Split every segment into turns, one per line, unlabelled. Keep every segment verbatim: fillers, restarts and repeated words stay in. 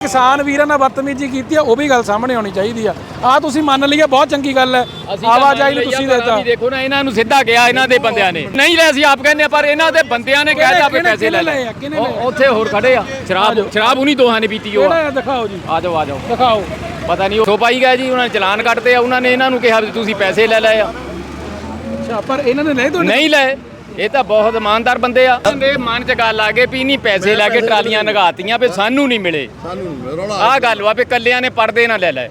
किसान वीरां नाल बदतमीजी कीती है, वो भी गल सामने आनी चाहिए आ। आ तुसीं मन ली है, बहुत चंगी गल है। आवाजाही नूं तुसीं देता
देखो ना, इन्हां नूं सिद्धा किया इन्हां दे बंदियां ने नहीं ले, असीं आप कहने पर इन्हां दे बंदियां ने कहता भी पैसे ले ले। उत्थे होर खड़े आ, शराब शराब उन्हीं दोहां ने पीती हो।
दिखाओ जी,
आ जाओ आ जाओ
दिखाओ।
पता नहीं सो पाई गए जी, उन्होंने चलान कटते, उन्होंने इन्हां नूं कहा भी तुसीं पैसे ले ले।
अच्छा, पर इन्हां ने नहीं
नहीं ले, ये तो बहुत ईमानदार बंदे आ। मन च गल आ गई भी नहीं पैसे लैके ट्रालियां नगातियां भी सानू नहीं मिले। आ गल वा भी कलियां ने पर्दे ना ले ले।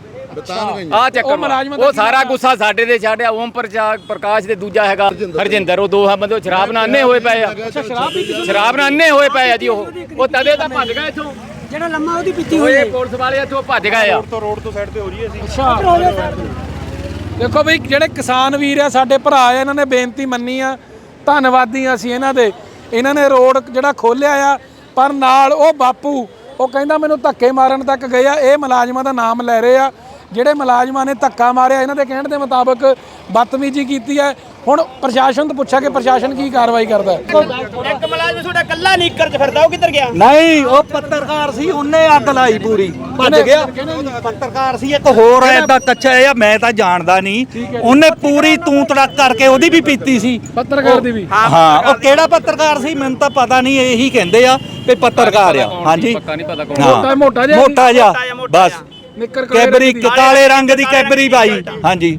आ चक्कर वो सारा गुस्सा साडे ते छाड़िया। ओम प्रकाश ते दूजा हैगा हरजिंदर, वो दो बंदे शराब नाल अन्ने होए पए आ। शराब नाल अन्ने होए पए आ जी। वो तदे तां भज गए इथों,
जेड़ा लम्मा ओदी पीती होई है।
पुलिस वाले इथों भज गए आ।
रोड तो साइड ते हो रही है। अच्छा देखो बई, जेड़े किसान वीर आ साडे भरा आ, इन्हां ने बेनती मन्नी आ, धन्नवादी ਅਸੀਂ ਇਹਨਾਂ ਦੇ। ਇਹਨਾਂ ਨੇ ਰੋਡ ਜਿਹੜਾ ਖੋਲਿਆ ਆ, ਪਰ ਨਾਲ ਉਹ ਬਾਪੂ ਉਹ ਕਹਿੰਦਾ ਮੈਨੂੰ ਧੱਕੇ ਮਾਰਨ ਤੱਕ ਗਏ ਆ। ਇਹ ਮੁਲਾਜ਼ਮਾਂ ਦਾ ਨਾਮ ਲੈ ਰਹੇ ਆ, ਜਿਹੜੇ ਮੁਲਾਜ਼ਮਾਂ ਨੇ ਧੱਕਾ ਮਾਰਿਆ, ਇਹਨਾਂ ਦੇ ਕਹਿਣ ਦੇ ਮੁਤਾਬਕ ਬਦਤਮੀਜ਼ੀ ਕੀਤੀ ਹੈ। ਹੁਣ ਪ੍ਰਸ਼ਾਸਨ ਤੋਂ ਪੁੱਛਿਆ ਕਿ ਪ੍ਰਸ਼ਾਸਨ ਕੀ ਕਾਰਵਾਈ ਕਰਦਾ ਹੈ।
ਇੱਕ ਮੁਲਾਜ਼ਮ ਤੁਹਾਡਾ ਕੱਲਾ ਲੀਕਰ ਚ ਫਿਰਦਾ, ਉਹ ਕਿੱਧਰ ਗਿਆ?
ਨਹੀਂ, ਉਹ ਪੱਤਰਕਾਰ ਸੀ, ਉਹਨੇ ਅੱਗ ਲਾਈ ਪੂਰੀ, ਭੱਜ ਗਿਆ। ਪੱਤਰਕਾਰ ਸੀ ਇੱਕ ਹੋਰ ਐਡਾ ਕੱਚਾ ਆ, ਮੈਂ ਤਾਂ ਜਾਣਦਾ ਨਹੀਂ। ਉਹਨੇ ਪੂਰੀ ਤੂੰ ਤੜਕ ਕਰਕੇ ਉਹਦੀ ਵੀ ਪੀਤੀ ਸੀ,
ਪੱਤਰਕਾਰ ਦੀ ਵੀ।
ਹਾਂ, ਉਹ ਕਿਹੜਾ ਪੱਤਰਕਾਰ ਸੀ ਮੈਨੂੰ ਤਾਂ ਪਤਾ ਨਹੀਂ, ਇਹੀ ਕਹਿੰਦੇ ਆ ਵੀ ਪੱਤਰਕਾਰ ਆ। ਹਾਂਜੀ,
ਪੱਕਾ ਨਹੀਂ ਪਤਾ
ਮੋਟਾ ਮੋਟਾ ਜਿਹਾ
ਮੋਟਾ ਜਿਹਾ ਬਸ,
ਨਿੱਕਰ
ਕੈਬਰੀ ਕਾਲੇ ਰੰਗ ਦੀ ਕੈਬਰੀ ਪਾਈ। ਹਾਂਜੀ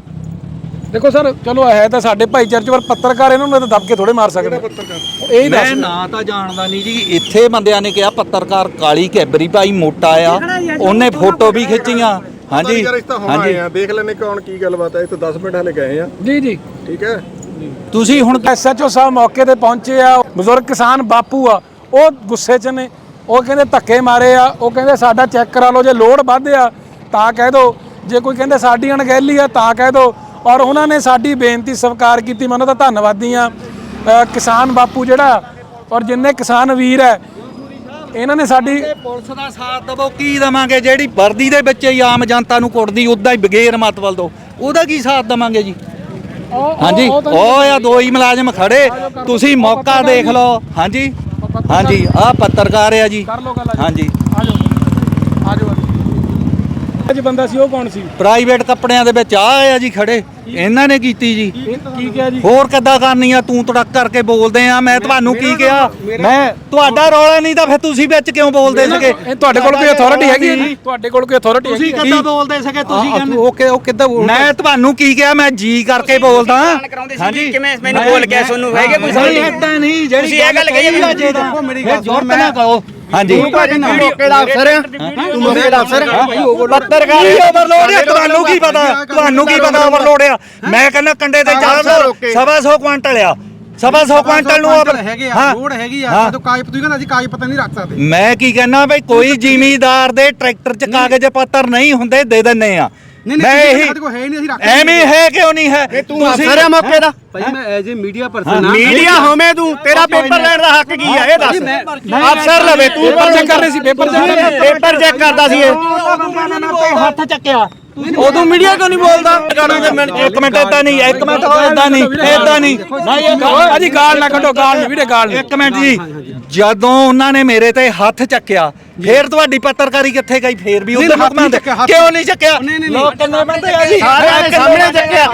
ਦੇਖੋ ਸਰ, ਚਲੋ ਹੈ ਤਾਂ ਸਾਡੇ ਭਾਈਚਾਰੇ ਚ, ਪਰ ਪੱਤਰਕਾਰ ਇਹਨਾਂ ਨੂੰ ਤਾਂ ਦਬ ਕੇ ਥੋੜੇ ਮਾਰ ਸਕਦੇ। ਇਹ
ਮੈਂ ਨਾ ਤਾਂ ਜਾਣਦਾ ਨਹੀਂ ਜੀ। ਇੱਥੇ ਬੰਦਿਆਂ ਨੇ ਕਿਹਾ ਪੱਤਰਕਾਰ ਕਾਲੀ ਕੈਬਰੀ ਪਾਈ, ਮੋਟਾ ਆ, ਉਹਨੇ ਫੋਟੋ ਵੀ ਖਿੱਚੀਆਂ। ਹਾਂਜੀ
ਹਾਂਜੀ, ਦੇਖ ਲੈਣੇ ਕੌਣ ਕੀ ਗੱਲਬਾਤ ਹੈ। ਇੱਥੇ ਦਸ ਮਿੰਟ ਹਲੇ ਗਏ ਆ
ਜੀ ਜੀ,
ਠੀਕ ਹੈ।
ਤੁਸੀਂ ਹੁਣ
ਐਸ ਐਚ ਓ ਸਾਹਿਬ ਮੌਕੇ ਤੇ ਪਹੁੰਚੇ ਆ। ਬਜ਼ੁਰਗ ਕਿਸਾਨ ਬਾਪੂ ਆ, ਉਹ ਗੁੱਸੇ ਚ ਨੇ। ਉਹ ਕਹਿੰਦੇ ਧੱਕੇ ਮਾਰੇ ਆ। ਉਹ ਕਹਿੰਦੇ ਸਾਡਾ ਚੈੱਕ ਕਰਾ ਲਓ, ਜੇ ਲੋਡ ਵੱਧ ਆ ਤਾਂ ਕਹਿ ਦਿਓ, ਜੇ ਕੋਈ ਕਹਿੰਦੇ ਸਾਡੀ ਅਣਗਹਿਲੀ ਆ ਤਾਂ ਕਹਿ ਦਿਓ। ਔਰ ਉਹਨਾਂ ਨੇ ਸਾਡੀ ਬੇਨਤੀ ਸਵੀਕਾਰ ਕੀਤੀ। ਮੈਂ ਉਹਨਾਂ ਦਾ ਧੰਨਵਾਦੀ ਆ। ਕਿਸਾਨ ਬਾਪੂ ਜਿਹੜਾ ਔਰ ਜਿੰਨੇ ਕਿਸਾਨ ਵੀਰ ਹੈ, ਇਹਨਾਂ ਨੇ ਸਾਡੀ
ਪੁਲਿਸ ਦਾ ਸਾਥ ਦਵੋ। ਕੀ ਦੇਵਾਂਗੇ? ਜਿਹੜੀ ਵਰਦੀ ਦੇ ਵਿੱਚ ਹੀ ਆਮ ਜਨਤਾ ਨੂੰ ਕੁੱਟਦੀ, ਉਦਾਂ ਹੀ ਬਗੈਰ ਮਤਲਬ ਤੋਂ ਉਹਦਾ ਕੀ ਸਾਥ ਦੇਵਾਂਗੇ ਜੀ? ਹਾਂਜੀ, ਉਹ ਆ ਦੋ ਹੀ ਮੁਲਾਜ਼ਮ ਖੜੇ, ਤੁਸੀਂ ਮੌਕਾ ਦੇਖ ਲਓ। ਹਾਂਜੀ ਹਾਂਜੀ, ਆਹ ਪੱਤਰਕਾਰ ਆ ਜੀ। ਹਾਂਜੀ,
ਆਜੋ ਆਜੋ। ਅੱਜ ਬੰਦਾ ਸੀ, ਉਹ ਕੌਣ ਸੀ?
ਪ੍ਰਾਈਵੇਟ ਕੱਪੜਿਆਂ ਦੇ ਵਿੱਚ ਆ ਆ ਜੀ ਖੜੇ, ਇਹਨਾਂ ਨੇ ਕੀਤੀ ਜੀ।
ਕੀ ਕਿਹਾ ਜੀ?
ਹੋਰ ਕਿੱਦਾਂ ਕਰਨੀ ਆ? ਤੂੰ ਤੜਕ ਕਰਕੇ ਬੋਲਦੇ ਆ। ਮੈਂ ਤੁਹਾਨੂੰ ਕੀ ਕਿਹਾ? ਮੈਂ ਤੁਹਾਡਾ ਰੌਲਾ ਨਹੀਂ ਤਾਂ ਫਿਰ ਤੁਸੀਂ ਵਿੱਚ ਕਿਉਂ ਬੋਲਦੇ ਸੀਗੇ?
ਤੁਹਾਡੇ ਕੋਲ ਕੋਈ ਅਥਾਰਟੀ ਹੈਗੀ ਹੈ? ਤੁਹਾਡੇ ਕੋਲ ਕੋਈ ਅਥਾਰਟੀ
ਤੁਸੀਂ ਕਿੱਦਾਂ ਬੋਲਦੇ ਸੀਗੇ? ਤੁਸੀਂ ਕਹਿੰਦੇ
ਓਕੇ ਉਹ ਕਿੱਦਾਂ ਬੋਲਦਾ?
ਮੈਂ ਤੁਹਾਨੂੰ ਕੀ ਕਿਹਾ? ਮੈਂ ਜੀ ਕਰਕੇ ਬੋਲਦਾ।
ਹਾਂਜੀ, ਕਿਵੇਂ ਮੈਨੂੰ ਬੋਲ ਕੇ ਤੁਹਾਨੂੰ ਹੈਗੇ ਕੋਈ
ਨਹੀਂ, ਏਦਾਂ ਨਹੀਂ। ਜਿਹੜੀ
ਤੁਸੀਂ ਇਹ ਗੱਲ ਕਹੀ ਹੈ,
ਦੇਖੋ ਮੇਰੀ ਗੱਲ ਸੁਣ, ਨਾ ਕਹੋ। ਹਾਂਜੀ,
ਮੌਕੇ ਦਾ ਅਫਸਰ ਹੈ, ਤੂੰ ਮੌਕੇ ਦਾ ਅਫਸਰ
ਪੱਤਰਕਾਰ ਓਵਰਲੋਡ ਆ। ਤੁਹਾਨੂੰ ਕੀ ਪਤਾ? ਤੁਹਾਨੂੰ ਕੀ ਪਤਾ ਓਵਰਲੋਡ ਆ? ਮੈਂ ਕਹਿੰਦਾ ਕੰਡੇ ਤੇ ਚਾਰ ਸਵਾ ਸੌ ਕੁਆਂਟਲ ਆ, ਸਵਾ ਸੌ ਕੁਆਂਟਲ ਨੂੰ
ਹੈਗੇ ਆ, ਲੋੜ ਹੈਗੀ ਆ। ਜਦੋਂ ਕਾਗਜ਼ ਤੁਸੀਂ ਕਹਿੰਦਾ ਅਸੀਂ ਕਾਗਜ਼ ਪੱਤਰ ਨਹੀਂ ਰੱਖ ਸਕਦੇ।
ਮੈਂ ਕੀ ਕਹਿਣਾ ਬਈ, ਕੋਈ ਜ਼ਿਮੀਦਾਰ ਦੇ ਟਰੈਕਟਰ 'ਚ ਕਾਗਜ਼ ਪੱਤਰ ਨਹੀਂ ਹੁੰਦੇ, ਦੇ ਦਿੰਨੇ ਆ। ਮੈਂ ਇਹੀ ਐਵੇਂ ਹੈ ਕਿਉਂ ਨਹੀਂ ਹੈ?
ਤੂੰ ਅਫਸਰ ਹੈ ਮੌਕੇ ਦਾ
ਭਾਈ। ਮੈਂ as a media person,
media ਹੋਵੇਂ ਤੂੰ, ਤੇਰਾ ਪੇਪਰ ਲੈਣ ਦਾ ਹੱਕ ਕੀ ਆ ਇਹ ਦੱਸ। ਅਫਸਰ ਲਵੇ ਤੂੰ,
ਪੇਪਰ ਚੈੱਕ ਕਰ ਰਹੇ ਸੀ? ਪੇਪਰ ਚੈੱਕ
ਪੇਪਰ ਚੈੱਕ ਕਰਦਾ ਸੀ ਇਹ।
ਹੱਥ ਚੱਕਿਆ,
ਉਦੋਂ ਮੀਡੀਆ ਕਿਉਂ ਨਹੀਂ ਬੋਲਦਾ?
ਇੱਕ ਮਿੰਟ, ਏਦਾਂ ਨਹੀਂ, ਇੱਕ ਮਿੰਟ, ਏਦਾਂ ਨਹੀਂ, ਏਦਾਂ ਨਹੀਂ।
ਅਜੀ ਗਾਲ ਨਾ ਕੱਢੋ, ਗਾਲ ਨਹੀਂ ਵੀਰੇ, ਗਾਲ ਨਹੀਂ।
ਇੱਕ ਮਿੰਟ ਜੀ, ਜਦੋਂ ਉਹਨਾਂ ਨੇ ਮੇਰੇ ਤੇ ਹੱਥ ਚੱਕਿਆ, ਫੇਰ ਤੁਹਾਡੀ ਪੱਤਰਕਾਰੀ ਕਿੱਥੇ ਗਈ? ਫੇਰ ਵੀ ਉਹਦੇ ਹੁਕਮਾਂ ਤੇ ਕਿਉਂ ਨਹੀਂ ਚੱਕਿਆ? ਲੋਕ ਕਿੰਨੇ ਬੰਦੇ ਆ ਜੀ?
ਸਾਹਮਣੇ ਚੱਕਿਆ।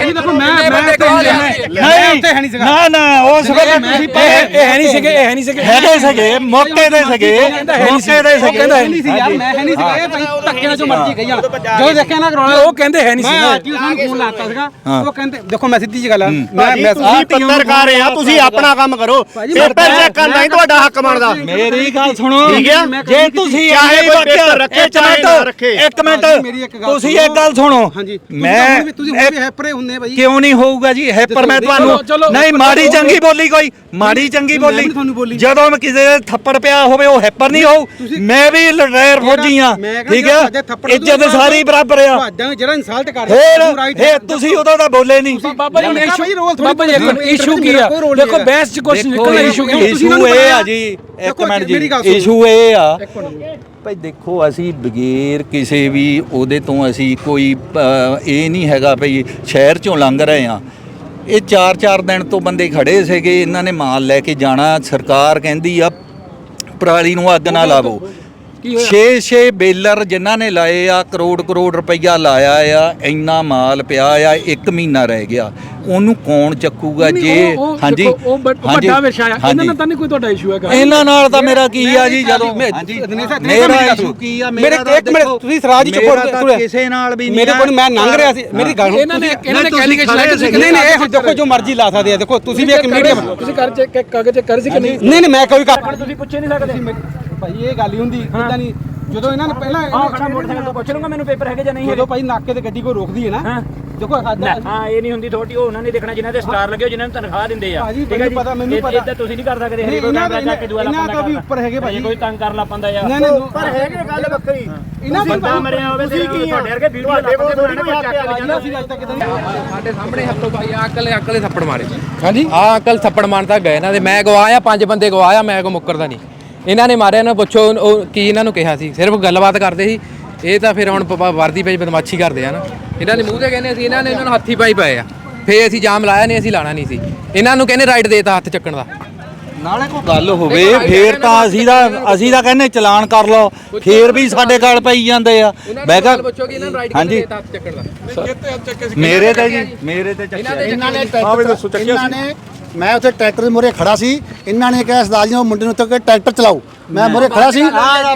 ਨਹੀਂ, ਨਾ ਨਾ, ਉਸ ਵੇਲੇ ਤੁਸੀਂ
ਇਹ ਹੈ ਨਹੀਂ ਸੀਗੇ, ਇਹ ਹੈ ਨਹੀਂ ਸੀਗੇ,
ਹੈਗੇ ਸੀਗੇ, ਮੌਕੇ ਦੇ ਸੀਗੇ, ਮੌਕੇ ਦੇ ਸੀਗੇ।
ਕਹਿੰਦਾ ਹੈ ਨਹੀਂ ਸੀ
ਯਾਰ, ਮੈਂ ਹੈ ਨਹੀਂ ਸੀਗਾ। ਇਹ ਭਾਈ ਧੱਕੇ ਨਾਲ ਜੋ ਮਰਜ਼ੀ ਕਹੀ ਜਾਣ। ਜਦੋਂ ਦੇਖਿਆ ਨਾ ਰੌਲਾ,
ਉਹ ਕਹਿੰਦੇ ਹੈ ਨਹੀਂ ਸੀ।
ਮੈਂ ਅੱਜ ਸਾਨੂੰ ਫੋਨ ਲਾਤਾ ਸੀਗਾ, ਉਹ ਕਹਿੰਦੇ ਦੇਖੋ ਮੈਂ ਸਿੱਧੀ ਜੀ ਗੱਲ ਆ, ਮੈਂ ਮੈਂ
ਤੁਸੀਂ ਪੱਤਰਕਾਰ ਆ, ਤੁਸੀਂ ਆਪਣਾ ਕੰਮ ਕਰੋ। ਪੇਪਰ ਚੈੱਕ ਕਰਨਾ ਹੀ ਤੁਹਾਡਾ ਹੱਕ ਬਣਦਾ।
ਮੇਰੀ ਗੱਲ ਸੁਣੋ,
ਠੀਕ ਹੈ?
ਜੇ ਤੁਸੀਂ
ਚਾਹੇ
ਇਹ
ਕੋਈ ਪੇਪਰ ਰੱਖੇ, ਚਾਹੇ ਨਾ ਰੱਖੇ।
ਇੱਕ ਮਿੰਟ, ਤੁਸੀਂ ਇੱਕ ਗੱਲ ਸੁਣੋ।
ਹਾਂਜੀ,
ਮੈਂ
ਤੁਸੀਂ ਹੋਰ ਵੀ ਹੈਪਰੇ ਹੁੰਦੇ ਭਾਈ।
ਕਿਉਂ ਨਹੀਂ ਹੋਊਗਾ ਜੀ ਹੈਪਰ? ਮੈਂ ਤੁਹਾਨੂੰ ਨਹੀਂ ਮਾੜੀ ਚੰਗੀ ਬੋਲੀ, ਕੋਈ ਮਾੜੀ ਚੰਗੀ ਬੋਲੀ ਜਦੋਂ ਮੈਂ ਕਿਸੇ ਦੇ ਥੱਪੜ ਪਿਆ ਹੋਵੇ, ਉਹ ਹੈਪਰ ਨਹੀਂ ਹੋਊ। ਮੈਂ ਵੀ ਲੜਾਇਰ ਫੌਜੀ ਆ, ਠੀਕ ਆ? ਇੱਜ਼ਤ ਸਾਰੀ ਬਰਾਬਰ ਆ।
ਜਿਹੜਾ ਇਨਸਲਟ ਕਰ
ਫੇਰ ਤੁਸੀਂ ਉਦੋਂ ਤਾਂ ਬੋਲੇ ਨਹੀਂ।
ਬਾਬਾ ਜੀ ਬਾਬਾ ਜੀ ਇਸ਼ੂ ਕੀ ਆ? ਦੇਖੋ ਬਹਿਸ ਚ ਕੁਝ ਨਿਕਲਣਾ। ਇਸ਼ੂ ਕੀ?
ਇਸ਼ੂ ਇਹ ਆ ਜੀ, ਇੱਕ ਮਿੰਟ ਜੀ, ਇਸ਼ੂ ਇਹ ਆ ਭਾਈ, ਦੇਖੋ ਅਸੀਂ ਬਗੈਰ ਕਿਸੇ ਵੀ ਉਹਦੇ ਤੋਂ ਅਸੀਂ ਕੋਈ ਇਹ ਨਹੀਂ ਹੈਗਾ ਭਈ ਸ਼ਹਿਰ ਚੋਂ ਲੰਘ ਰਹੇ ਆ। ਇਹ ਚਾਰ ਚਾਰ ਦਿਨ ਤੋਂ ਬੰਦੇ ਖੜੇ ਸੀਗੇ, ਇਹਨਾਂ ਨੇ ਮਾਲ ਲੈ ਕੇ ਜਾਣਾ। ਸਰਕਾਰ ਕਹਿੰਦੀ ਆ ਪਰਾਲੀ ਨੂੰ ਅੱਗ ਨਾ ਲਾਵੋ, ਛੇ ਛੇ ਬੇਲਰ ਜਿਨ੍ਹਾਂ ਨੇ ਲਾਏ ਆ, ਕਰੋੜ ਕਰੋੜ ਰੁਪਈਆ ਲਾਇਆ ਆ, ਇੰਨਾ ਮਾਲ ਪਿਆ ਆ, ਇੱਕ ਮਹੀਨਾ ਰਹਿ ਗਿਆ, ਉਹਨੂੰ ਕੌਣ ਚੱਕੂਗਾ? ਜੇ ਹਾਂਜੀ
ਉਹ ਵੱਡਾ ਵਿਸ਼ਾ ਆ, ਇਹਨਾਂ ਨਾਲ ਤਾਂ ਨਹੀਂ ਕੋਈ ਤੁਹਾਡਾ ਇਸ਼ੂ ਹੈਗਾ?
ਇਹਨਾਂ ਨਾਲ ਤਾਂ ਮੇਰਾ ਕੀ ਆ ਜੀ, ਜਦੋਂ ਮੇਰਾ ਇਸ਼ੂ ਕੀ ਆ?
ਮੇਰੇ ਇੱਕ ਮਿੰਟ ਤੁਸੀਂ ਸਰਾਜ ਜੀ ਕੋਲ
ਕਿਸੇ ਨਾਲ ਵੀ
ਮੇਰੇ ਕੋਲ ਮੈਂ ਲੰਘ ਰਿਹਾ ਸੀ, ਮੇਰੀ ਗੱਲ
ਇਹਨਾਂ ਨੇ ਇਹਨਾਂ ਨੇ ਕੈਲੀਗੇਸ਼ਨ ਲਾਇਆ, ਤੁਸੀਂ
ਨਹੀਂ ਨਹੀਂ ਇਹ ਦੇਖੋ ਜੋ ਮਰਜ਼ੀ ਲਾ ਸਕਦੇ ਆ, ਦੇਖੋ ਤੁਸੀਂ ਵੀ ਇੱਕ ਮੀਡੀਅਮ
ਤੁਸੀਂ ਕਰ ਚੈੱਕ ਕਾਗਜ਼ ਚੈੱਕ ਕਰ ਸੀ ਕਿ ਨਹੀਂ?
ਨਹੀਂ ਨਹੀਂ ਮੈਂ ਕੋਈ ਕੰਮ
ਤੁਸੀਂ ਪੁੱਛੇ ਨਹੀਂ ਸਕਦੇ
ਭਾਈ, ਇਹ ਗੱਲ ਹੀ ਹੁੰਦੀ ਇਦਾਂ ਨਹੀਂ। ਜਦੋਂ ਇਹਨਾਂ ਨੇ ਪਹਿਲਾਂ
ਆਹ ਖੜਾ ਮੋਟਰਸਾਈਕਲ ਤੋਂ ਪੁੱਛ ਲੂੰਗਾ ਮੈਨੂੰ ਪੇਪਰ ਹੈਗੇ ਜਾਂ ਨਹੀਂ ਹੈਗੇ।
ਜਦੋਂ ਭਾਈ ਨਾਕੇ ਤੇ ਗੱਡੀ ਕੋਈ ਰੋਕਦੀ ਹੈ ਨਾ, ਦੇਖੋ
ਹਾਂ ਇਹ ਨਹੀਂ ਹੁੰਦੀ ਥੋੜੀ, ਉਹ ਉਹਨਾਂ ਨੇ ਦੇਖਣਾ ਜਿਨ੍ਹਾਂ ਦੇ ਸਟਾਰ ਲੱਗੇ ਹੋ, ਜਿਨ੍ਹਾਂ ਨੂੰ ਤਨਖਾਹ ਦਿੰਦੇ ਆ।
ਠੀਕ ਹੈ ਜੀ, ਪਤਾ ਮੈਨੂੰ ਪਤਾ,
ਇੱਦਾਂ ਤੁਸੀਂ ਨਹੀਂ ਕਰ ਸਕਦੇ ਹਰੇ ਕੋਈ ਕੈਮਰਾ ਚੱਕ ਕੇ ਦੂਆ
ਇਹਨਾਂ ਤੋਂ ਵੀ ਉੱਪਰ ਹੈਗੇ ਭਾਈ,
ਕੋਈ ਤੰਗ ਕਰ ਲਾ ਪੰਦਾ ਯਾਰ।
ਨਹੀਂ ਨਹੀਂ
ਪਰ ਹੈਗੇ ਗੱਲ ਵੱਖਰੀ,
ਇਹਨਾਂ
ਬੰਦਾ ਮਰਿਆ ਹੋਵੇ ਤੇ ਤੁਹਾਡੇ ਵਰਗੇ ਵੀਡੀਓ ਲਾ ਕੇ ਚੱਕ ਕੇ
ਅਸੀਂ ਅੱਜ ਤੱਕ ਕਿਤੇ ਨਹੀਂ
ਸਾਡੇ ਸਾਹਮਣੇ ਹੱਥੋਂ ਭਾਈ ਆ ਅਕਲ ਅਕਲੇ ਥੱਪੜ ਮਾਰੇ
ਹਾਂਜੀ
ਆ ਅੰਕਲ ਥੱਪੜ ਮਾਰਨ ਤੱਕ ਗਏ ਇਹਨਾਂ ਦੇ। ਮੈਂ ਗਵਾਇਆ, ਪੰਜ ਬੰਦੇ ਗਵਾਇਆ, ਮੈਂ ਕੋ ਮੁੱਕਰਦਾ ਨਹੀਂ। ਇਹਨਾਂ ਨੇ ਮਾਰਿਆ, ਇਹਨਾਂ ਪੁੱਛੋ ਉਹ ਕੀ ਇਹਨਾਂ ਨੂੰ ਕਿਹਾ ਸੀ, ਸਿਰਫ ਗੱਲਬਾਤ ਕਰਦੇ ਸੀ। ਇਹ ਤਾਂ ਫਿਰ ਹੁਣ ਵਰਦੀ ਪਈ ਬਦਮਾਸ਼ੀ ਕਰਦੇ ਆ ਨਾ। ਇਹਨਾਂ ਦੇ ਮੂੰਹ ਤੇ ਕਹਿੰਦੇ ਅਸੀਂ, ਇਹਨਾਂ ਨੇ ਇਹਨਾਂ ਨੂੰ ਹੱਥੀ ਪਾਈ ਪਏ ਆ। ਫੇਰ ਅਸੀਂ ਜਾਮ ਲਾਇਆ ਨਹੀਂ, ਅਸੀਂ ਲਾਣਾ ਨਹੀਂ ਸੀ। ਇਹਨਾਂ ਨੂੰ ਕਹਿੰਦੇ ਰਾਈਟ ਦੇਤਾ ਹੱਥ ਚੱਕਣ ਦਾ।
ਨਾਲੇ ਕੋਈ ਗੱਲ ਹੋਵੇ ਫੇਰ ਤਾਂ ਅਸੀਂ ਦਾ ਅਸੀਂ ਤਾਂ ਕਹਿੰਦੇ ਚਲਾਨ ਕਰ ਲਓ, ਫੇਰ ਵੀ ਸਾਡੇ ਗੱਲ ਪਈ ਜਾਂਦੇ ਆ। ਮੈਂ ਕਿਹਾ
ਪੁੱਛੋ ਕਿ ਇਹਨਾਂ ਨੂੰ ਰਾਈਟ
ਹਾਂਜੀ
ਦੇਤਾ ਹੱਥ ਚੱਕਣ ਦਾ।
ਮੇਰੇ ਤੇ ਜੀ ਮੇਰੇ ਤੇ ਚੱਕਿਆ
ਇਹਨਾਂ ਨੇ ਇਹਨਾਂ ਨੇ ਮੈਂ ਉੱਥੇ ਟਰੈਕਟਰ ਦੇ ਮੂਹਰੇ ਖੜਾ ਸੀ, ਇਹਨਾਂ ਨੇ ਕਿਹਾ ਸਰਦਾਰ ਜੀ ਉਹ ਮੁੰਡੇ ਨੂੰ ਉੱਤੇ ਟਰੈਕਟਰ ਚਲਾਓ। ਮੈਂ ਮੂਹਰੇ ਖੜਾ ਸੀ,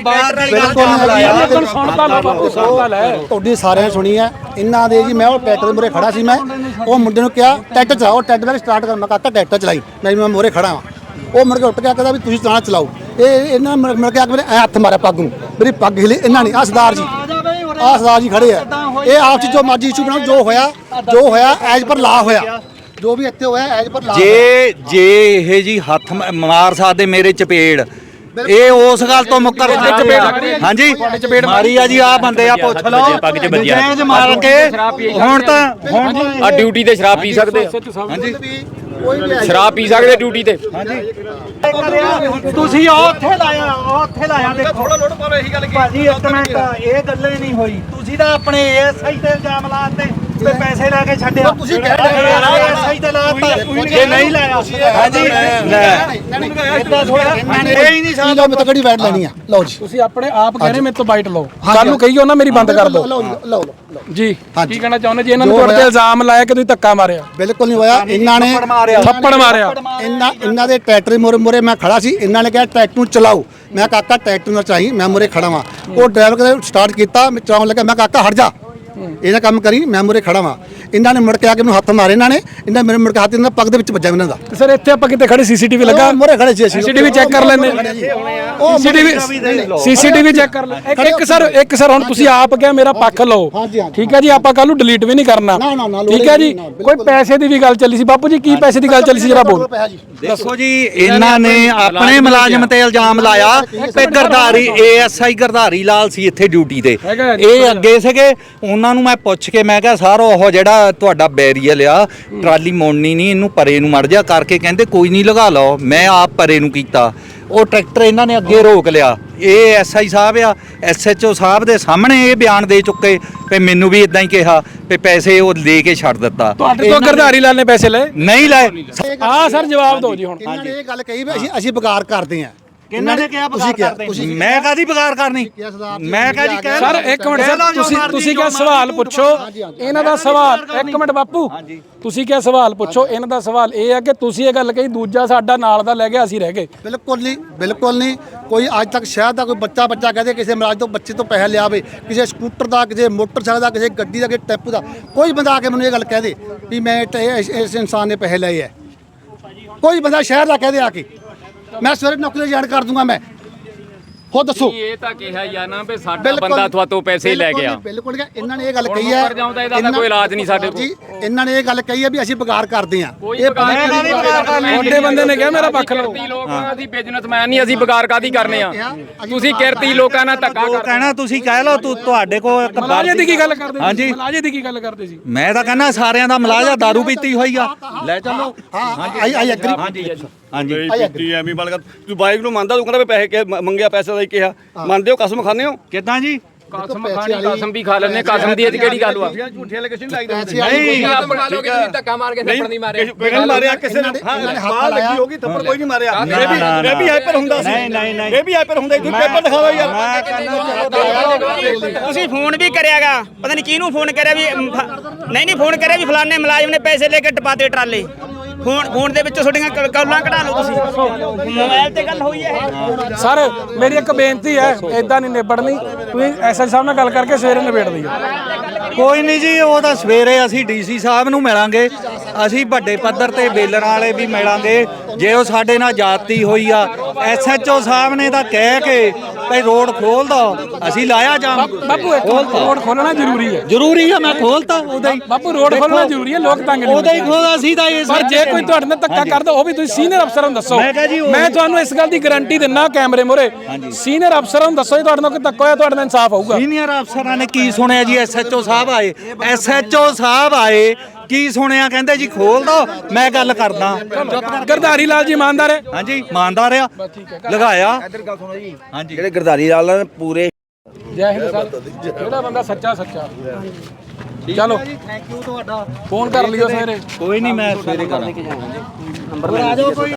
ਬਿਲਕੁਲ ਸੁਣਦਾ ਲੈ ਬਾਪੂ, ਸੁਣਦਾ ਲੈ।
ਤੁਹਾਡੀ ਸਾਰਿਆਂ ਨੇ ਸੁਣੀ ਹੈ ਇਹਨਾਂ ਦੇ ਜੀ। ਮੈਂ ਉਹ ਟਰੈਕਟਰ ਦੇ ਮੂਹਰੇ ਖੜਾ ਸੀ, ਮੈਂ ਉਹ ਮੁੰਡੇ ਨੂੰ ਕਿਹਾ ਟਰੈਕਟਰ ਚਲਾਓ, ਟਰੈਕਟਰ ਮੈਂ ਸਟਾਰਟ ਕਰ। ਮੈਂ ਕਾਕਾ ਟਰੈਕਟਰ ਚਲਾਈ, ਮੈਂ ਮੈਂ ਮੂਹਰੇ ਖੜਾ ਹਾਂ। ਉਹ ਮੁੜ ਕੇ ਉੱਠ ਕੇ ਕਹਿੰਦਾ ਵੀ ਤੁਸੀਂ ਚਲਾਣਾ ਚਲਾਓ। ਇਹ ਇਹਨਾਂ ਨੇ ਮਿਲ ਕੇ ਆ ਕੇ ਮੇਰੇ ਐ ਹੱਥ ਮਾਰਿਆ ਪੱਗ ਨੂੰ, ਮੇਰੀ ਪੱਗ ਹਿਲੀ। ਇਹਨਾਂ ਨੇ ਆਹ ਸਰਦਾਰ ਜੀ ਆਹ ਸਰਦਾਰ ਜੀ ਖੜੇ ਆ, ਇਹ ਆਪ ਚ ਜੋ ਮਰਜ਼ੀ ਇਸ਼ੂ ਬਣਾਓ, ਜੋ ਹੋਇਆ ਜੋ ਹੋਇਆ ਐਜ ਪਰ ਲਾ ਹੋਇਆ, ਜੋ ਵੀ ਇੱਥੇ ਹੋਇਆ ਐਜ ਪਰ ਲਾ।
ਜੇ ਜੇ ਇਹ ਜੀ ਹੱਥ ਮ- ਮਾਰ ਸਕਦੇ ਮੇਰੇ ਚਪੇੜ, ਇਹ ਉਸ ਗੱਲ ਤੋਂ ਮੁੱਕਰ ਹਾਂਜੀ ਮਾਰੀ ਆ ਜੀ। ਆ ਬੰਦੇ ਆ ਪੁੱਛ ਲਓ, ਨਜਾਇਜ਼ ਮਾਰ ਕੇ ਹੁਣ ਤਾਂ ਹੁਣ
ਆ ਡਿਊਟੀ ਤੇ ਸ਼ਰਾਬ ਪੀ ਸਕਦੇ ਆ।
ਹਾਂਜੀ
ਸ਼ਰਾਬ ਪੀ ਸਕਦੇ ਡਿਊਟੀ ਤੇ।
ਤੁਸੀਂ ਉਹ ਉੱਥੇ ਲਾਇਆ ਉਹ ਉੱਥੇ ਲਾਇਆ ਦੇਖੋ ਥੋੜਾ ਲੋਡ ਪਾਓ। ਇਹੀ ਗੱਲ ਕੀ ਭਾਜੀ ਇੱਕ ਮਿੰਟ, ਇਹ ਗੱਲ ਹੀ ਨਹੀਂ ਹੋਈ। ਤੁਸੀਂ ਤਾਂ ਆਪਣੇ ਐਸਆਈ ਤੇ ਇਲਜ਼ਾਮ ਲਾਤੇ ਤੇ ਪੈਸੇ ਲੈ ਕੇ ਛੱਡਿਆ। ਤੁਸੀਂ ਐਸਆਈ ਤੇ ਲਾਤਾ, ਜੇ ਨਹੀਂ ਲਾਇਆ ਹਾਂਜੀ ਇਦਾਂ ਥੋੜਾ ਇਹ ਹੀ ਨਹੀਂ
ਲਓ ਮੈਂ ਤਾਂ ਕਿਹੜੀ ਵਾਈਟ ਲੈਣੀ ਆ। ਲਓ ਜੀ
ਤੁਸੀਂ ਆਪਣੇ ਆਪ ਕਹਿ ਰਹੇ ਮੇਰੇ ਤੋਂ ਬਾਈਟ ਲਓ, ਕੱਲ ਨੂੰ ਕਹੀਓ ਨਾ ਮੇਰੀ ਬੰਦ ਕਰ ਦਿਓ।
ਲਓ ਲਓ
ਜੀ ਕੀ ਕਹਿਣਾ ਚਾਹੁੰਦੇ ਜੀ? ਇਹਨਾਂ ਨੇ ਤੁਹਾਡੇ ਤੇ ਇਲਜ਼ਾਮ ਲਾਇਆ ਕਿ ਤੁਸੀਂ ਧੱਕਾ ਮਾਰਿਆ।
ਬਿਲਕੁਲ ਨਹੀਂ ਹੋਇਆ। ਇਹਨਾਂ ਨੇ
ਥੱਪੜ ਮਾਰਿਆ।
ਇਹਨਾਂ ਇਹਨਾਂ ਦੇ ਟਰੈਕਟਰ ਮੋਰੇ ਮੋਰੇ ਮੈਂ ਖੜਾ ਸੀ। ਇਹਨਾਂ ਨੇ ਕਿਹਾ ਟਰੈਕਟਰ ਨੂੰ ਚਲਾਓ। ਮੈਂ ਕਾਕਾ ਟਰੈਕਟਰ ਨਾਲ ਚਾਹੀ, ਮੈਂ ਮੋਰੇ ਖੜਾ ਵਾਂ। ਉਹ ਡਰਾਈਵਰ ਕਦੇ ਸਟਾਰਟ ਕੀਤਾ, ਮੈਂ ਚਲਾਉਣ ਲੱਗਾ, ਮੈਂ ਕਾਕਾ ਹਟ ਜਾ, ਇਹਦਾ ਕੰਮ ਕਰੀ, ਮੈਂ ਮੋਰੇ ਖੜਾ ਵਾਂ। ਇਹਨਾਂ ਨੇ ਮੁੜ ਕੇ ਆ ਕੇ ਮੈਨੂੰ ਹੱਥ ਮਾਰੇ। ਇਹਨਾਂ ਨੇ ਇਹਨਾਂ ਮੇਰੇ ਮੁੜ ਕੇ ਹੱਥ ਇਹਨਾਂ ਪੱਗ ਦੇ ਵਿੱਚ ਵੱਜਾ ਇਹਨਾਂ ਦਾ।
ਸਰ ਇੱਥੇ ਆਪਾਂ ਕਿਤੇ ਖੜੇ ਸੀਸੀਟੀਵੀ ਲੱਗਾ,
ਮੋਰੇ ਖੜੇ ਸੀ।
ਸੀਸੀਟੀਵੀ ਚੈੱਕ ਕਰ ਲੈਂਦੇ। ਸੀਸੀਟੀਵੀ ਸੀਸੀਟੀਵੀ ਚੈੱਕ ਕਰ ਲੈ। ਇੱਕ ਸਰ ਇੱਕ ਸਰ ਹੁਣ ਤੁਸੀਂ ਆਪ ਕਿਹਾ ਮੇਰਾ ਪੱਖ ਲਓ, ਠੀਕ ਹੈ ਜੀ। ਆਪਾਂ ਕੱਲ ਨੂੰ ਡਿਲੀਟ ਵੀ ਨਹੀਂ ਕਰਨਾ, ਠੀਕ ਹੈ ਜੀ। ਕੋਈ ਪੈਸੇ ਦੀ ਵੀ ਗੱਲ ਚੱਲੀ ਸੀ ਬਾਪੂ ਜੀ, ਕੀ ਪੈਸੇ ਦੀ ਗੱਲ ਚੱਲੀ ਸੀ ਜਰਾ ਬੋਲ।
ਦੇਖੋ ਜੀ, ਇਹਨਾਂ ਨੇ ਆਪਣੇ ਮੁਲਾਜ਼ਮ ਤੇ ਇਲਜ਼ਾਮ ਲਾਇਆ ਤੇ ਗਰਧਾਰੀ ਏਐਸਆਈ ਗਰਧਾਰੀ ਲਾਲ ਸੀ ਇੱਥੇ ਡਿਊਟੀ ਤੇ। ਇਹ ਅੱਗੇ ਸੀਗੇ, ਉਹਨਾਂ ਨੂੰ ਮੈਂ ਪੁੱਛ ਕੇ ਮੈਂ ਕਿਹਾ ਸਰ ਉਹ ਜਿਹੜਾ ਤੁਹਾਡਾ ਬੈਰੀਅਰ ਆ ਟਰਾਲੀ ਮੋੜਨੀ ਨਹੀਂ, ਇਹਨੂੰ ਪਰੇ ਨੂੰ ਮੜ ਜਾ ਕਰਕੇ। ਕਹਿੰਦੇ ਕੋਈ ਨਹੀਂ ਲਗਾ ਲਓ। ਮੈਂ ਆਪ ਪਰੇ ਨੂੰ ਕੀਤਾ, ਉਹ ਟਰੈਕਟਰ ਇਹਨਾਂ ਨੇ ਅੱਗੇ ਰੋਕ ਲਿਆ। ਇਹ ਐਸਆਈ ਸਾਹਿਬ ਆ, ਐਸਐਚਓ ਸਾਹਿਬ ਦੇ ਸਾਹਮਣੇ ਇਹ ਬਿਆਨ ਦੇ ਚੁੱਕੇ ਤੇ ਮੈਨੂੰ ਵੀ ਇਦਾਂ ਹੀ ਕਿਹਾ ਤੇ ਪੈਸੇ ਉਹ ਲੈ ਕੇ ਛੱਡ ਦਿੱਤਾ।
ਤੁਹਾਡੇ ਤੋਂ ਗਰਧਾਰੀ ਲਾਲ ਨੇ ਪੈਸੇ ਲਏ?
ਨਹੀਂ ਲਏ।
ਹਾਂ ਸਰ ਜਵਾਬ ਦਿਓ ਜੀ ਹੁਣ।
ਇਹਨਾਂ ਨੇ ਇਹ ਗੱਲ ਕਹੀ ਵੀ ਅਸੀਂ ਅਸੀਂ ਬਗਾਰ ਕਰਦੇ ਆਂ।
ਕਿਹਨਾਂ ਨੇ ਕਿਹਾ ਬਗਾਰ ਕਰਦੇ? ਮੈਂ ਕਾਦੀ ਬਗਾਰ ਕਰਨੀ? ਮੈਂ ਕਾਦੀ ਕਹਿ
ਸਰ ਇੱਕ ਮਿੰਟ ਸਰ, ਤੁਸੀਂ ਤੁਸੀਂ ਕਿਹਾ ਸਵਾਲ ਪੁੱਛੋ ਇਹਨਾਂ ਦਾ ਸਵਾਲ। ਇੱਕ ਮਿੰਟ ਬਾਪੂ, ਤੁਸੀਂ ਕਿਹਾ ਸਵਾਲ ਪੁੱਛੋ ਇਹਨਾਂ ਦਾ ਸਵਾਲ ਇਹ ਹੈ ਕਿ ਤੁਸੀਂ ਇਹ ਗੱਲ ਕਹੀ ਦੂਜਾ ਸਾਡਾ ਨਾਲ ਦਾ ਲੈ ਗਿਆ, ਅਸੀਂ ਰਹਿ ਗਏ।
ਬਿਲਕੁਲ ਨਹੀਂ, ਬਿਲਕੁਲ ਨਹੀਂ। ਕੋਈ ਅੱਜ ਤੱਕ ਸ਼ਹਿਰ ਦਾ ਕੋਈ ਬੱਚਾ ਬੱਚਾ ਕਹਦੇ ਕਿਸੇ ਮਰਾਜ ਤੋਂ ਬੱਚੇ ਤੋਂ ਪੈਸੇ ਲਿਆਵੇ, ਕਿਸੇ ਸਕੂਟਰ ਦਾ, ਕਿਸੇ ਮੋਟਰਸਾਈਕਲ ਦਾ, ਕਿਸੇ ਗੱਡੀ ਦਾ, ਕਿਸੇ ਟੈਂਪੂ ਦਾ, ਕੋਈ ਬੰਦਾ ਆ ਕੇ ਮੈਨੂੰ ਇਹ ਗੱਲ ਕਹਿ ਦੇ ਵੀ ਮੈਂ ਇਸ ਇਸ ਇਨਸਾਨ ਨੇ ਪੈਸੇ ਲਏ ਹੈ। ਕੋਈ ਬੰਦਾ ਸ਼ਹਿਰ ਦਾ ਕਹਦੇ ਆ ਕੇ ਮੈਂ ਸਵੇਰੇ ਨੌਕਰੀ ਜਾਣ ਕਰ ਦੂੰਗਾ। ਮੈਂ ਹੋ ਦੱਸੋ।
ਇਹ ਤਾਂ ਕਿਹਾ ਯਾਰ ਨਾ ਵੀ ਸਾਡਾ ਬੰਦਾ ਤੁਹਾਤੋਂ ਪੈਸੇ ਲੈ ਗਿਆ।
ਬਿਲਕੁਲ ਇਹਨਾਂ ਨੇ ਇਹ ਗੱਲ ਕਹੀ ਹੈ।
ਇਹਦਾ ਤਾਂ ਕੋਈ ਇਲਾਜ ਨਹੀਂ ਸਾਡੇ ਕੋਲ।
ਜੀ ਇਹਨਾਂ ਨੇ ਇਹ ਗੱਲ ਕਹੀ ਹੈ ਵੀ ਅਸੀਂ ਬਗਾਰ ਕਰਦੇ ਆਂ।
ਇਹ
ਤੁਹਾਡੇ ਬੰਦੇ ਨੇ ਕਿਹਾ ਮੇਰਾ ਪੱਖ ਲਓ।
ਲੋਕਾਂ ਅਸੀਂ ਬਿਜ਼ਨਸਮੈਨ ਨਹੀਂ, ਅਸੀਂ ਬਗਾਰ ਕਾਦੀ ਕਰਨੇ ਆ? ਤੁਸੀਂ ਕਿਰਤੀ ਲੋਕਾਂ ਨਾਲ ਧੱਕਾ
ਉਹ ਕਹਿਣਾ ਤੁਸੀਂ ਕਹਿ ਲਓ ਤੂੰ ਤੁਹਾਡੇ ਕੋਲ ਇੱਕ
ਮਲਾਜੇ ਦੀ ਕੀ ਗੱਲ ਕਰਦੇ ਸੀ?
ਹਾਂਜੀ
ਮਲਾਜੇ ਦੀ ਕੀ ਗੱਲ ਕਰਦੇ ਸੀ?
ਮੈਂ ਤਾਂ ਕਹਿੰਦਾ ਸਾਰਿਆਂ ਦਾ ਮਲਾਜਾ ਦਾਰੂ ਪੀਤੀ ਹੋਈ ਆ। ਲੈ ਚੱਲੋ।
ਹਾਂ ਆਈ ਆਈ ਐਗਰੀ।
ਹਾਂਜੀ ਹਾਂਜੀ
ਜੀ ਐਵੇਂ ਬਾਲ ਕਰ ਤੂੰ ਬਾਈਕ ਨੂੰ ਮੰਨਦਾ, ਤੂੰ ਕਹਿੰਦਾ ਵੀ ਪੈਸੇ ਮੰਗਿਆ, ਪੈਸੇ ਦਾ ਹੀ ਕਿਹਾ। ਮੰਨਦੇ ਹੋ? ਕਸਮ ਖਾਂਦੇ ਹੋ?
ਕਿੱਦਾਂ ਜੀ?
ਕਸਮ ਖਾਣੀ ਕਸਮ ਵੀ ਖਾ ਲੈਣੇ ਕਸਮ ਦੀ ਇਹ ਕਿਹੜੀ ਗੱਲ ਵਾ
ਝੂਠੇ ਲੋਕੇਸ਼ਨ ਲਾਈ
ਪੈਸੇ ਵਾਲੀ
ਨਹੀਂ ਆਪ ਬਣਾ ਲਓ ਕਿ ਤੁਸੀਂ ਧੱਕਾ ਮਾਰ ਕੇ ਥੱਪੜ ਨਹੀਂ ਮਾਰਿਆ
ਬਿਗਨ ਮਾਰਿਆ ਕਿਸੇ ਨੇ ਮਾਰ ਲੱਗੀ ਹੋਗੀ ਥੱਪੜ ਕੋਈ ਨਹੀਂ ਮਾਰਿਆ ਇਹ ਵੀ ਇਹ ਵੀ ਹਾਈਪਰ ਹੁੰਦਾ ਸੀ ਨਹੀਂ ਨਹੀਂ ਨਹੀਂ ਇਹ ਵੀ ਹਾਈਪਰ ਹੁੰਦਾ ਤੁਸੀਂ ਪੇਪਰ ਦਿਖਾਓ ਯਾਰ
ਤੁਸੀਂ ਫੋਨ ਵੀ ਕਰਿਆਗਾ ਪਤਾ ਨਹੀਂ ਕਿਹਨੂੰ ਫੋਨ ਕਰਿਆ ਵੀ ਅਮ, ਫ- ਨਹੀਂ ਨਹੀਂ ਫੋਨ ਕਰਿਆ ਵੀ ਫਲਾਣੇ ਮੁਲਾਜ਼ਮ ਨੇ ਪੈਸੇ ਲੈ ਕੇ ਟਪਾਤੇ ਟਰਾਲੇ ਫੋਨ ਫੋਨ ਦੇ ਵਿੱਚੋਂ ਤੁਹਾਡੀਆਂ ਕ- ਕੌਲਾਂ ਕਢਾ ਲਓ ਤੁਸੀਂ ਮੋਬਾਈਲ ਤੇ ਗੱਲ ਹੋਈ ਹੈ ਇਹ
ਸਰ ਮੇਰੀ ਇੱਕ ਬੇਨਤੀ ਹੈ ਇਦਾਂ ਨਹੀਂ ਨਿਬੜਨੀ ਤੁਸੀਂ ਐਸਐਸ ਸਾਹਿਬ ਨਾਲ ਗੱਲ ਕਰਕੇ ਸਵੇਰੇ ਨਿਬੇੜ ਦਿਓ
ਕੋਈ ਨਹੀਂ ਜੀ ਉਹ ਤਾਂ ਸਵੇਰੇ ਅਸੀਂ ਡੀਸੀ ਸਾਹਿਬ ਨੂੰ ਮਿਲਾਂਗੇ ਅਸੀਂ ਵੱਡੇ ਪੱਧਰ ਤੇ ਬੇਲਰ ਵਾਲੇ ਵੀ ਮਿਲਾਂਗੇ ਜੇ ਉਹ ਸਾਡੇ ਨਾਲ ਜਾਤੀ ਹੋਈ ਆ ਐਸਐਚਓ ਸਾਹਿਬ ਨੇ ਤਾਂ ਕਹਿ ਕੇ ਭਈ ਰੋਡ ਖੋਲ ਦੋ ਅਸੀਂ ਲਾਇਆ ਜਾਮ
ਬਾਪੂ ਇੱਕ ਰੋਡ ਖੋਲਣਾ ਜ਼ਰੂਰੀ ਹੈ
ਜ਼ਰੂਰੀ ਆ ਮੈਂ ਖੋਲਤਾ ਉਹਦਾ ਹੀ
ਬਾਪੂ ਰੋਡ ਖੋਲਣਾ ਜ਼ਰੂਰੀ ਹੈ ਲੋਕ ਤੰਗ ਨਹੀਂ
ਉਹਦਾ ਹੀ ਖੋਲ ਅਸੀਂ ਤਾਂ ਇਹ
ਪਰ ਜੇ ਕੋਈ ਤੁਹਾਡੇ ਨਾਲ ਧੱਕਾ ਕਰਦਾ ਉਹ ਵੀ ਤੁਸੀਂ ਸੀਨੀਅਰ ਅਫਸਰਾਂ ਨੂੰ ਦੱਸੋ
ਮੈਂ ਕਿਹਾ ਜੀ ਉਹ-
ਮੈਂ ਤੁਹਾਨੂੰ ਇਸ ਗੱਲ ਦੀ ਗਾਰੰਟੀ ਦਿੰਨਾ ਕੈਮਰੇ ਮੋਰੇ ਸੀਨੀਅਰ ਅਫਸਰਾਂ ਨੂੰ ਦੱਸੋ ਜੇ ਤੁਹਾਡੇ ਨਾਲ ਕੋਈ ਧੱਕਾ ਹੋਇਆ ਤੁਹਾਡੇ ਨਾਲ ਇਨਸਾਫ ਹੋਊਗਾ
ਸੀਨੀਅਰ ਅਫਸਰਾਂ ਨੇ ਕੀ ਸੁਣਿਆ ਜੀ ਐਸਐਚਓ ਸਾਹਿਬ ਆਏ ਐਸਐਚਓ ਸਾਹਿਬ ਆਏ ਕੀ ਸੁਣਿਆ ਕਹਿੰਦੇ ਜੀ ਖੋਲ ਦੋ ਮੈਂ ਗੱਲ ਕਰਦਾ
ਗਰਧਾਰੀ ਲਾਲ ਜੀ ਇਮਾਨਦਾਰ ਹੈ
ਹਾਂਜੀ ਇਮਾਨਦਾਰ ਆ ਲਗਾਇਆ ਹਾਂਜੀ
ਜਿਹੜੇ ਗਰਦਾਰੀ ਲਾਲ ਨੇ ਪੂਰੇ
ਜੈ ਹਿੰਦ ਸਰ ਜਿਹੜਾ ਬੰਦਾ ਸੱਚਾ ਸੱਚਾ ਚਲੋ
ਥੈਂਕ ਯੂ ਤੁਹਾਡਾ
ਫੋਨ ਕਰ ਲਿਓ ਸਵੇਰੇ
ਕੋਈ ਨਹੀਂ ਮੈਂ ਸਵੇਰੇ ਕਰਾਂਗਾ